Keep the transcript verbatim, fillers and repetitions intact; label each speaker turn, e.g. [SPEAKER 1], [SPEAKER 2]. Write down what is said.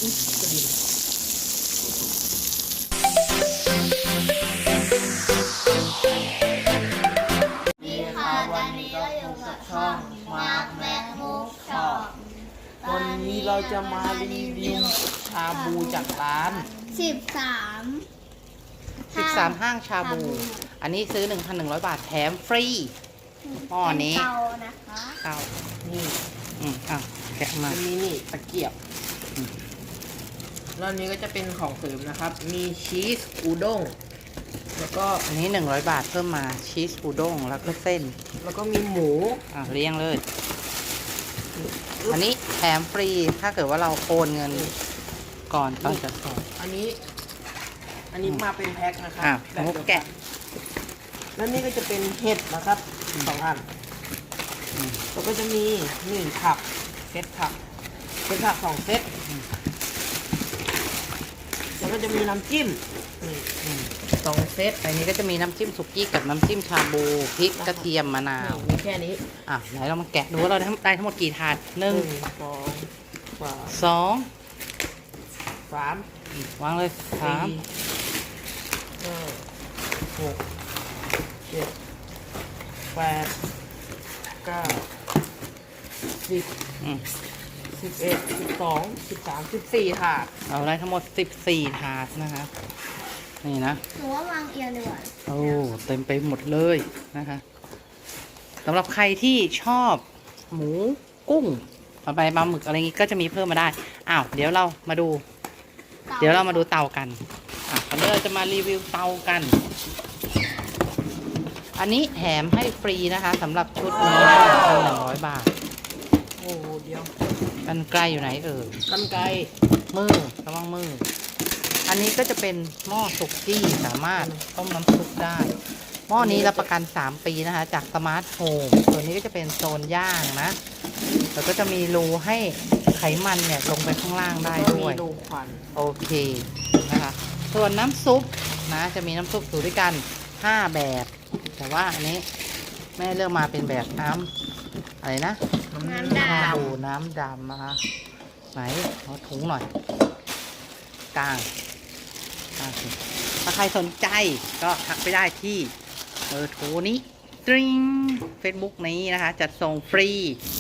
[SPEAKER 1] อุ๊ยกระดิ่ง
[SPEAKER 2] นี่ค่ะตอนนี้เราอยู่กับช่องมาร์คแม็กบุ๊กช็อป
[SPEAKER 1] วันนี้เราจะมารีวิวชาบูจากร้าน
[SPEAKER 2] สิบสาม
[SPEAKER 3] สิบสามห้างชาบู อันนี้ซื้อ หนึ่งพันหนึ่งร้อย บาทแถมฟรีหม้อนี้
[SPEAKER 2] เป็นเตานะคะ
[SPEAKER 3] เอา
[SPEAKER 1] นี่
[SPEAKER 3] อืมอ่ะแกะมา
[SPEAKER 1] อันนี้นี่ตะเกียบแล้วอันนี้ก็จะเป็นของเสริมนะครับ มีชีสอูด้งแล้วก็
[SPEAKER 3] อันนี้ หนึ่งร้อย บาทเพิ่มมาชีสอูด้งแล้วก็เส้น
[SPEAKER 1] แล้วก็มีหมู
[SPEAKER 3] อ่ะเรียงเลย อันนี้แถมฟรีถ้าเกิดว่าเราโอนเงินก่อนตอนจะส่ง
[SPEAKER 1] อันนี้ อันนี้มาเป็นแพ็คนะครั
[SPEAKER 3] อ่ะ
[SPEAKER 1] แบบ
[SPEAKER 3] มุก
[SPEAKER 1] เดียว
[SPEAKER 3] แกะ
[SPEAKER 1] แล้วนี่ก็จะเป็นเห็ดนะครับสองอัน
[SPEAKER 3] อืม
[SPEAKER 1] แล้วก็จะมีหนึ่งผักเซตผักเซตผักสองเซตแล้วก็จะมีน้ำจิ้มนี่
[SPEAKER 3] อืม
[SPEAKER 1] สองเซต
[SPEAKER 3] อันนี้ก็จะมีน้ำจิ้มสุกี้กับน้ำจิ้มชาบูพริกกระเทียมมะนาว
[SPEAKER 1] มีแค่นี้
[SPEAKER 3] อ่ะไหนเรามาแกะดูว่าเราได้ได้ทั้งหมดกี่ถาดห
[SPEAKER 1] ห
[SPEAKER 3] นึ่ง
[SPEAKER 1] นึ่งสองสาม
[SPEAKER 3] สอง
[SPEAKER 1] สาม
[SPEAKER 3] วางเลยสาม
[SPEAKER 1] สี่ห้าหกเจ็ดแปดเก้าสิบ
[SPEAKER 3] อืม
[SPEAKER 1] สิบเอ็ดสิบสองสิบสามสิบสี่ค่ะ
[SPEAKER 3] เราได้ทั้งหมดสิบสี่ถาดนะคะนี่นะ
[SPEAKER 2] หนูว่าวางเอียงดีกว่า
[SPEAKER 3] โอ้เต็มไปหมดเลยนะคะสำหรับใครที่ชอบหมูกุ้งปลาใบปลาหมึกอะไรงี้ก็จะมีเพิ่มมาได้อ้าวเดี๋ยวเรามาดู เดี๋ยวเรามาดูเตากันอ่ะตอนนี้เราจะมารีวิวเตากัน อันนี้แถมให้ฟรีนะคะสำหรับชุดนี้นะหนึ่งพันหนึ่งร้อยบาท
[SPEAKER 1] โอ้โหเดียว
[SPEAKER 3] กันไกลอยู่ไหนเอ่ย
[SPEAKER 1] กันไกร
[SPEAKER 3] มือระวังมือ อันนี้ก็จะเป็นหม้อสุกี้สามารถต้มน้ำซุปได้ หม้อนี้รับประกันสามปีนะคะ จากสมาร์ทโฮมส่วนนี้ก็จะเป็นโซนย่างนะ แล้วก็จะมีรูให้ไขมันเนี่ยลงไปข้างล่างได้
[SPEAKER 1] ก็มี
[SPEAKER 3] ด้วย
[SPEAKER 1] ดูควัน
[SPEAKER 3] โอเคนะคะ ส่วนน้ำซุปนะ จะมีน้ำซุปอยู่ด้วยกันห้าแบบ แต่ว่าอันนี้แม่เลือกมาเป็นแบบน้ำอะไรนะ
[SPEAKER 2] น้ำด
[SPEAKER 3] ชาบูน้ำดำนะคะ ไหนเอาถุงหน่อยกลางกลางสิถ้าใครสนใจก็ทักไปได้ที่เบอร์โทรนี้ตริงเฟซบุ๊กนี้นะคะ จัดส่งฟรี